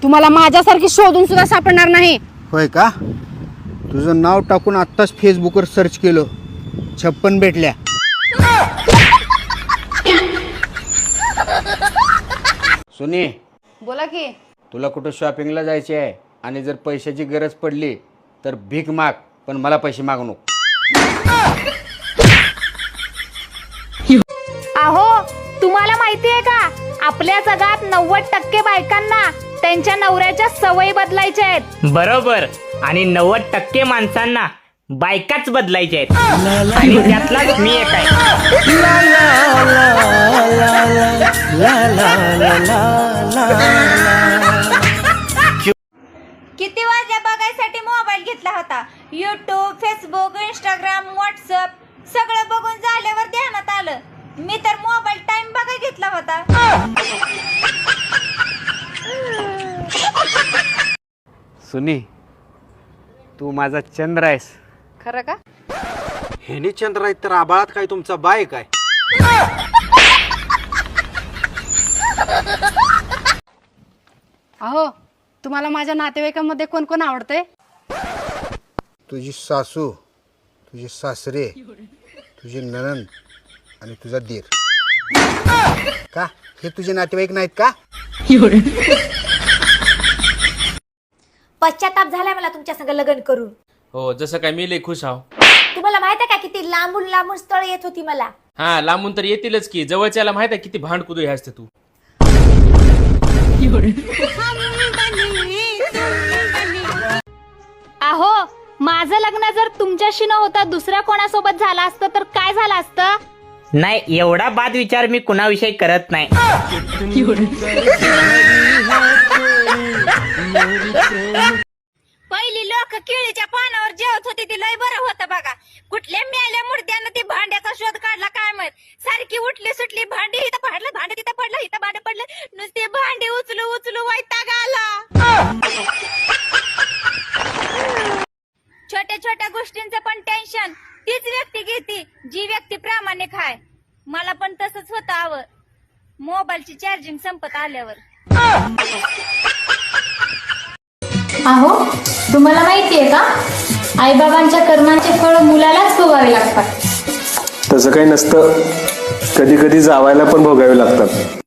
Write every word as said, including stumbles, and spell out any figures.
तुम्हाला माझ्यासारखी शोधून सुद्धा सापडणार नाही. होय का? तुझं नाव टाकून आत्ताच फेसबुकवर सर्च केलं, छप्पन भेटल्या. सुनी, बोला की. तुला कुठं शॉपिंगला जायचे आहे आणि जर पैशाची गरज पडली तर भीक माग, पण मला पैसे मागू नको. अहो, तुम्हाला माहिती आहे का, आपल्या जगात नव्वद टक्के बायकांना त्यांच्या नवऱ्याच्या सवयी बदलायच्या आहेत. बरोबर. आणि नव्वद टक्के माणसांना बायकाच बदलायच्या आहेत. आणि त्यातलाच मी एक आहे. किती वाजल्या बघायसाठी मोबाईल घेतला होता. युट्यूब, फेसबुक, इंस्टाग्राम, व्हॉट्सअप सगळं बघून झाल्यावर ध्यानात आलं, मी तर मोबाईल टाइम बघा घेतला होता. सुनी, तू माझा चंद्र आहेस. खरं का? हेनी चंद्र आहेत तर आबाळात काय तुमचा बाय काय? अहो, तुम्हाला माझ्या नातेवाईकांमध्ये कोण कोण आवडते? तुझी सासू, तुझे सासरे, तुझी नणंद आणि तुझा दीर. का हे तुझे नातेवाईक नाहीत का? पश्चाताप झालाय मला तुमच्या संग लग्न करून. हो, जसं काय मी लय खुश आहो. तुम्हाला माहित आहे का किती लांबून लांबून स्थळ येत होती मला. हा, लांबून तर येतीलच की, जवळच्याला माहित आहे किती भांडकुदू हे असते तू. अहो, माझं लग्न जर तुमच्याशी न होता दुसऱ्या कोणासोबत झालं असतं तर काय झालं असतं? नाही, एवढा बाद विचार मी कुणाविषयी करत नाही. पहिली लोक केळीच्या पानावर जेवत होती, ती लय बरं होतं बघा. कुठल्या मेल्या मुर्द्यानं ती भांड्याचा शोध काढला काय माहित. सारखी उठली सुटली, भांडी इथं पडलं, भांडे तिथं पडलं, इथं भांडे पडलं, नुसते भांडी उचलू उचलू वैताग आला. छोट्या छोट्या गोष्टींचं पण टेन्शन तीच व्यक्ती घेते जी व्यक्ती प्रामाणिक आहे. मला पण तसंच होतं हवं मोबाईलची चार्जिंग संपत आल्यावर. अहो, तुम्हाला माहितीये का, आईबाबांच्या कर्मांचे फळ मुलालाच भोगावे लागतात. तसं काही नसतं, कधी कधी जावायला पण भोगावे लागतात.